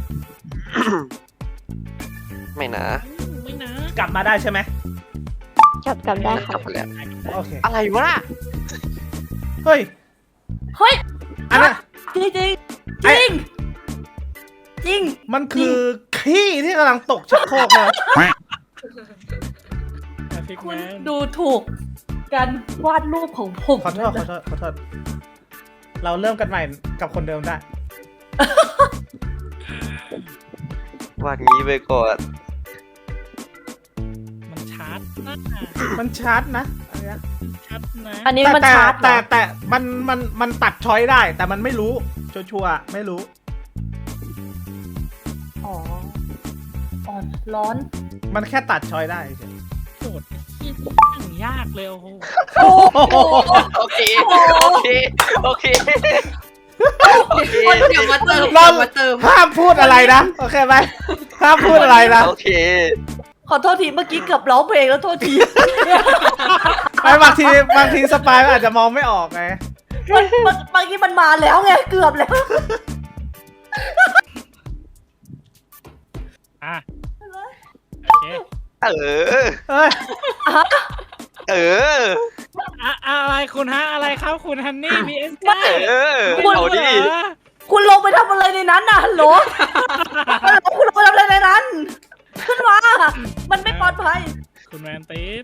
[SPEAKER 4] ไม่นะ
[SPEAKER 2] ไม่นะ
[SPEAKER 1] กลับมาได้ใช่ไหม
[SPEAKER 6] กลับกลับได้
[SPEAKER 4] ก
[SPEAKER 6] ครั
[SPEAKER 4] ลับบ ไปแล้ว
[SPEAKER 1] โอเค
[SPEAKER 4] อะไรวะ
[SPEAKER 1] เฮ้ย
[SPEAKER 3] เฮ้ย
[SPEAKER 1] อันนั้น
[SPEAKER 3] จริงจริงจ
[SPEAKER 1] ไอ้
[SPEAKER 3] ริงจริง
[SPEAKER 1] มันคือขี้ที่กำลังตกชักโครกเลย
[SPEAKER 2] พิก
[SPEAKER 3] คุ
[SPEAKER 2] แม
[SPEAKER 3] ณ
[SPEAKER 2] น
[SPEAKER 3] ดูถูกการวาดรูปของผม
[SPEAKER 1] ขอโทษขอโทษขอโทษเราเริ่มกันใหม่กับคนเดิมได้
[SPEAKER 4] วาดงี้ไปก่อน
[SPEAKER 2] มันชาร์จนะ
[SPEAKER 1] มันชัดนะอันเนี้ย
[SPEAKER 2] ชัดนะ
[SPEAKER 3] อันนี้มัน
[SPEAKER 1] แต่
[SPEAKER 3] ชาร์จเหร
[SPEAKER 1] แต่
[SPEAKER 3] อ
[SPEAKER 1] แต่แต่มันมันมันตัดช้อยได้ แต่มันไม่รู้ชัวร์ๆไม่รู้
[SPEAKER 3] อ๋ออ๋อร้อน
[SPEAKER 1] มันแค่ตัดช้อยได้เฉย
[SPEAKER 2] โจทย์ที่อย่างยากเลยโอ้โห
[SPEAKER 3] โอ้โห
[SPEAKER 4] โอเคโอเคโอเคโอเค
[SPEAKER 5] คนเดี๋ยวมาเติม
[SPEAKER 1] เรา
[SPEAKER 5] เดี๋ยวมาเติม
[SPEAKER 1] ห้ามพูดอะไรนะ โอเคไหมห้ามพูดอะไรนะ
[SPEAKER 4] โอเค
[SPEAKER 3] ขอโทษทีเมื่อกี้เกือบร้องเพลงแล้วโทษที
[SPEAKER 1] ไม่บางทีบางทีสปายมันอาจจะมองไม่ออกไง
[SPEAKER 3] มันมันเมื่อกี้มันมาแล้วไงเกือบแล้ว
[SPEAKER 2] อ่ะโอเค
[SPEAKER 4] เออ
[SPEAKER 1] เอ้ย
[SPEAKER 4] เออ
[SPEAKER 2] อะอะไรคุณฮะอะไรครับคุณฮันนี่บีเอส
[SPEAKER 4] เออ
[SPEAKER 3] คุณ
[SPEAKER 4] เอาดิ
[SPEAKER 3] คุณลงไปทำอะไรในนั้นน่ะฮัลโหลฮัลโหลคุณลงไปทำอะไรในนั้น ขึ้นมา มันไม่ปลอดภัย
[SPEAKER 2] คุณแมนตีฟ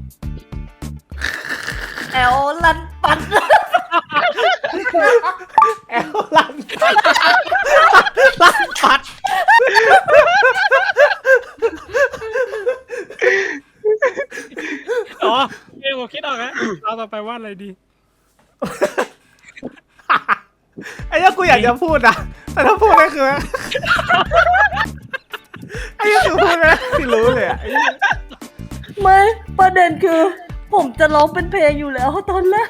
[SPEAKER 3] แอลลันปัน
[SPEAKER 1] แอลลันปัดลันปัด
[SPEAKER 2] อ๋อเอผมคิดออกแล้วเราต่อไปว่าอะไรดี
[SPEAKER 1] ไอ้เนี้ยกูอยากจะพูดนะแต่ถ้าพูดก็คือไอ้เนี้ยคือพูดนะที่รู้เลยอะไอ้เหี้ย
[SPEAKER 3] ไม่ประเด็นคือ ผมจะร้องเป็นเพลงอยู่แล้วตอนแรก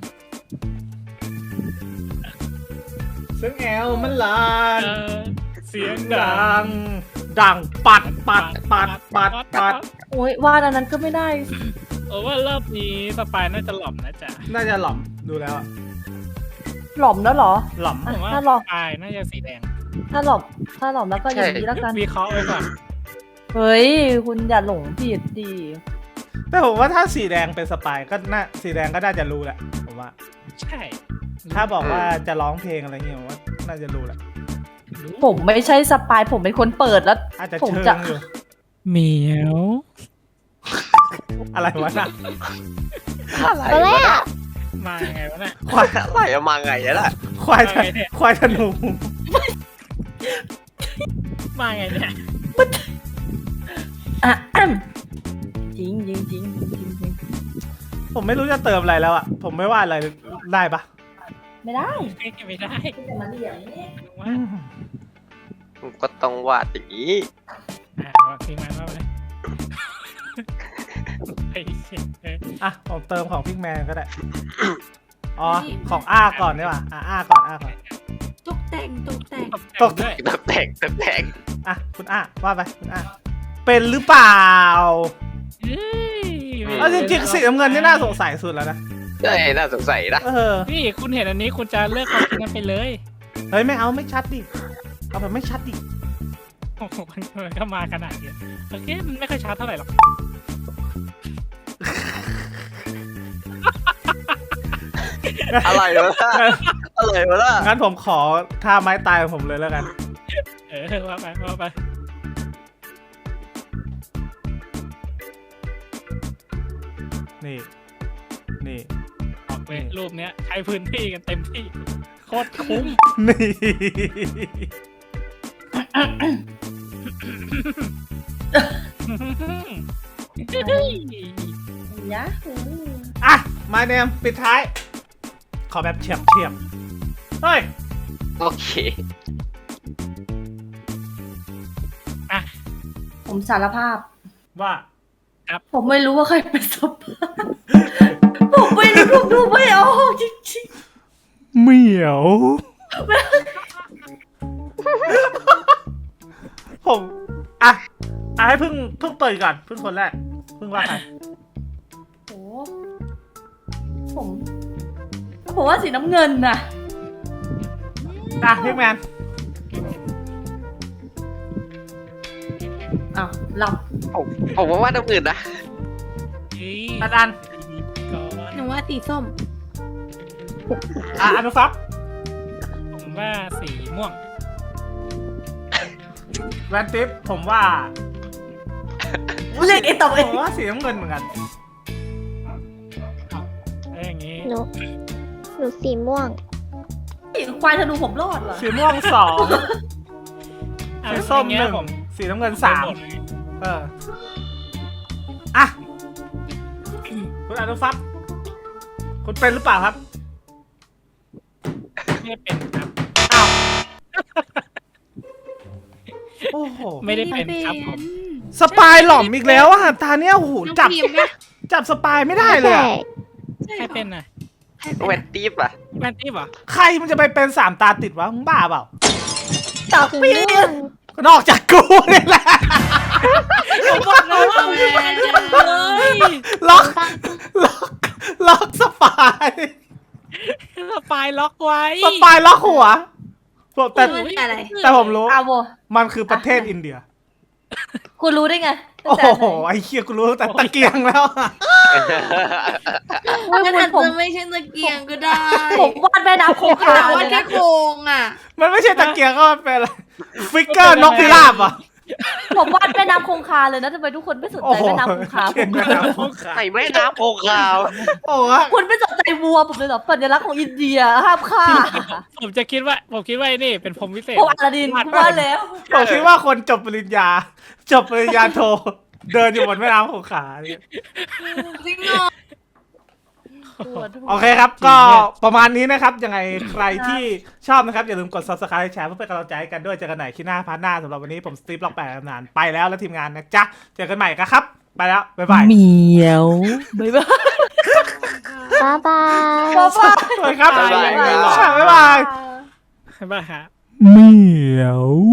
[SPEAKER 1] ซึ่งแอลมันลัน
[SPEAKER 2] เออเสียงดั
[SPEAKER 1] ดั
[SPEAKER 2] ง
[SPEAKER 1] ง ดังปัดปัดปัดปัดปัด
[SPEAKER 3] โอ้ยวาดอันนั้นก็ไม่ได้
[SPEAKER 2] เออว่ารอบนี้สปายน่าจะหล่อมนะจ๊ะ
[SPEAKER 1] น่าจะหล่อมดูแล้วอะ
[SPEAKER 3] หล่อมแล้วเหรอ
[SPEAKER 1] หล่อม
[SPEAKER 2] ผมว่า
[SPEAKER 3] ถ้าหล่อ
[SPEAKER 2] สปายน่าจะสีแดง
[SPEAKER 3] ถ้าหล่อมถ้าหล่อมแล้วก็อย่างนี้แล้วกัน
[SPEAKER 2] วิเคราะห์ไว้ก่อน
[SPEAKER 3] เฮ้ย คุณอย่าหลงผิดดิ
[SPEAKER 1] แต่ผมว่าถ้าสีแดงเป็นสปายก็น่าสีแดงก็น่าจะรู้แหละผมว่า
[SPEAKER 2] ใช่
[SPEAKER 1] ถ้าบอกว่าจะร้องเพลงอะไรเงี้ยผมว่าน่าจะรู้แหละ
[SPEAKER 3] ผมไม่ใช่สปายผมเป็นคนเปิดแล้ว
[SPEAKER 1] อาจจะ
[SPEAKER 3] ผม
[SPEAKER 1] เชิ
[SPEAKER 3] จะ
[SPEAKER 1] งอยู่
[SPEAKER 2] เหมียว
[SPEAKER 1] อะไรวะน่ะ
[SPEAKER 4] อะไร
[SPEAKER 6] ตอนแร
[SPEAKER 4] วะ
[SPEAKER 6] ก
[SPEAKER 4] น่ะ
[SPEAKER 2] มาไงวะเนี่ย
[SPEAKER 1] ควาย
[SPEAKER 4] อะไรอะมาไงอะล่ะ
[SPEAKER 1] ควายธ
[SPEAKER 2] อะไรเนี่ย
[SPEAKER 1] ควายธนู
[SPEAKER 2] มาไงเนี่ย
[SPEAKER 3] อ่ะอ้ำจริงจริงจริงจริงจริง
[SPEAKER 1] ผมไม่รู้จะเติมอะไรแล้วอะผมไม่ว่าอะไรได้ปะ
[SPEAKER 3] ไม่ได้
[SPEAKER 2] ไม่ได้
[SPEAKER 3] มันเหลี่ยมนี่
[SPEAKER 2] ว่า
[SPEAKER 1] อืม
[SPEAKER 4] ก็ต้องวาดอย่างนี้
[SPEAKER 2] อ่ะว่าพิงมันว่าไปไอ้เชี่ยเอ้ย
[SPEAKER 1] อ่ะผมเติมของพิกแมนก็ได้ อ๋อ ของอ้าก่อนดีกว่าอ่ะอ้าก่อนอ้าก่อน
[SPEAKER 5] ตกแต่งตกแต่ง
[SPEAKER 1] ตก
[SPEAKER 2] ด้วย
[SPEAKER 4] ตกแต่งตกแต่ง
[SPEAKER 1] อ่ะคุณอ้าว่าไปคุณอ้าเป็นหรือเปล่า
[SPEAKER 2] เอ้ย
[SPEAKER 1] เอาจริงๆสีน้ำเงินนี่น่าสงสัยสุดแล้วนะ
[SPEAKER 4] ใช่น่าสงสัยนะ
[SPEAKER 1] เออ
[SPEAKER 2] พี่คุณเห็นอันนี้คุณจะเลือกความคิดนั้นไปเลย
[SPEAKER 1] เฮ้ยไม่เอาไม่ชัดดิ เอาแบบไม่ชัดดิ
[SPEAKER 2] โอ้โหมันมันก็มาขนาดนี้โอเคมันไม่ค่อยชัดเท่าไหร่หรอก
[SPEAKER 4] อะไรวะน่ะอะไรวะล่ะ
[SPEAKER 1] งั้นผมขอท่าไม้ตายของผมเลยแล้วกัน
[SPEAKER 2] เออว่าไปว่าไป
[SPEAKER 1] นี่ นี่
[SPEAKER 2] ออกไปรูปเนี้ยใช้พื้นที่กันเต็มที่โคตรคุ้ม
[SPEAKER 1] นี่
[SPEAKER 3] ยะ
[SPEAKER 1] อ่ะมาเนมปิดท้าย ขอแบบเฉียบเฉียบเฮ้ย
[SPEAKER 4] โอเค
[SPEAKER 3] ผมสารภาพ
[SPEAKER 1] ว่า
[SPEAKER 3] ผมไม่รู้ว่าใครเป็นสปายผมไม่รู้ผมดูไม่ออกจริง
[SPEAKER 1] เหมียว ผมอ่ะอ่ะให้เพิ่งเพิ่งเปิดก่อนเพิ่งคนแรกเพิ่งว่าใคร
[SPEAKER 3] ๆโอ้ผมผมว่าสีน้ำเงินน่ะ
[SPEAKER 1] อ่ะพี่แมน
[SPEAKER 3] อ้าวหลับ
[SPEAKER 4] ผมผมว่าว่าน้ำอื่นนะ
[SPEAKER 1] อันอัน
[SPEAKER 2] ก่อน
[SPEAKER 5] หนูว่าสีส้ม
[SPEAKER 1] อ่ะอนุฟับ
[SPEAKER 2] ผมว่าสีม่วง
[SPEAKER 1] แวนติฟผมว่า
[SPEAKER 3] เรียกไอ้ตอบเอ
[SPEAKER 1] ผ
[SPEAKER 3] ง
[SPEAKER 1] มว่าสีน้ำเงินเหมือนกัน
[SPEAKER 2] แล้วอย่างงี้
[SPEAKER 6] หนู หนูสีม่วง
[SPEAKER 3] ควายธนูผมรอดเหรอ
[SPEAKER 1] สีม่วงสอง
[SPEAKER 2] อ่ะ
[SPEAKER 1] สีส้ม
[SPEAKER 2] อย่า
[SPEAKER 1] ห
[SPEAKER 2] เย
[SPEAKER 1] นึ่ง
[SPEAKER 2] ผม
[SPEAKER 1] สีน้ำเงินสาม
[SPEAKER 2] หดเลย
[SPEAKER 1] เอออ่ะคุณอนุฟับคุณเป็นหรือเปล่าครับ
[SPEAKER 2] ไม่ได้เป็นครับ
[SPEAKER 1] อ้าวโอ้โห
[SPEAKER 2] ไม่ได้เป็นครับผม
[SPEAKER 1] สปายหล่อมอีกแล้วอ่ะตาเนี้ยโอ้โห
[SPEAKER 5] น้อง
[SPEAKER 1] จับ
[SPEAKER 5] พิมพ์นะ
[SPEAKER 1] จับสปายไม่ได้เลยอะ
[SPEAKER 6] ใช่
[SPEAKER 2] ใครเป็นน่ะ
[SPEAKER 4] แวนตีฟอ่ะ
[SPEAKER 2] แมนตี้เหรอ
[SPEAKER 1] ใครมันจะไปเป็นสามตาติดวะมึงบ้าเปล่า
[SPEAKER 3] ตับ
[SPEAKER 6] สี
[SPEAKER 3] ปี
[SPEAKER 6] ม่วง
[SPEAKER 1] นอกจากกูเนี่ยแหละ
[SPEAKER 2] ผมบอกแล้วว่าแมนเลย
[SPEAKER 1] ล็อกล็อกล็อกสปาย
[SPEAKER 2] สปายล็อกไว้
[SPEAKER 1] สปายล็อกหัวผมแต่
[SPEAKER 5] ไม่อะไร
[SPEAKER 1] แต่ผมรู้
[SPEAKER 3] อาโว
[SPEAKER 1] มันคือประเทศอินเดีย
[SPEAKER 3] คุณรู้ได้ไง
[SPEAKER 1] โอ้โหไอ้เคียกูรู้ตั้งแต่ตะเกียงแล้วอะ
[SPEAKER 3] ว่า
[SPEAKER 5] มัน
[SPEAKER 3] คุ
[SPEAKER 5] อา
[SPEAKER 3] ณ
[SPEAKER 5] จ
[SPEAKER 3] ผม
[SPEAKER 5] จะไม่ใช่ตะเกียงก็ได้
[SPEAKER 3] ผมวาดแม่น้ำคงคา
[SPEAKER 5] แต่
[SPEAKER 3] เล
[SPEAKER 5] ว่าย แค่
[SPEAKER 3] นะ
[SPEAKER 5] โครงอ่ะ
[SPEAKER 1] มันไม่ใช่ตะเกียงก็มันเป็นอะไรฟิกเกอร์นกพิราบอ่ะ
[SPEAKER 3] ผมวาดแม่น้ำคงคาเลยนะทำไมทุกคนไม่สน
[SPEAKER 1] โอ้
[SPEAKER 3] ใจ
[SPEAKER 1] โห
[SPEAKER 3] แม่น้ำคงคาผ
[SPEAKER 1] เขียน
[SPEAKER 3] ม
[SPEAKER 1] แม่น้ำคงคา
[SPEAKER 4] ใส่แม่น้ำโพคาว
[SPEAKER 1] โอ้โห
[SPEAKER 3] คุณไม่สนใจวัวผมเลยเหรอสัญลักษณ์ของอินเดียห้ามฆ่า
[SPEAKER 2] ผมจะคิดว่าผมคิดว่าไอ้นี่เป็นพรหมวิเศษ
[SPEAKER 3] ผมอลาดินว่าแล้ว
[SPEAKER 1] ผมคิดว่าคนจบปริญญา จบปริญญาโท เดินอยู่บนแม่น้ำคงคาเนี่ย
[SPEAKER 5] จริงเหรอ
[SPEAKER 1] โอเคครับก็ประมาณนี้นะครับยังไงใครที่ชอบนะครับอย่าลืมกด subscribe แชร์เพื่อเป็นกำลังใจให้กันด้วยเจอกันใหม่คลิปหน้าพาร์ทหน้าสำหรับวันนี้ผมสตีฟล็อกแปดนานไปแล้วแล้วทีมงานนะจ๊ะเจอกันใหม่ครับไปแล้วบ๊ายบาย
[SPEAKER 2] เหมียว
[SPEAKER 3] บ๊ายบาย
[SPEAKER 6] บ๊ายบาย
[SPEAKER 3] บ๊ายบาย
[SPEAKER 1] สวัสดีครับ
[SPEAKER 4] บ๊ายบาย
[SPEAKER 1] บ๊ายบาย
[SPEAKER 2] บ๊ายบายฮะ
[SPEAKER 1] เหมียว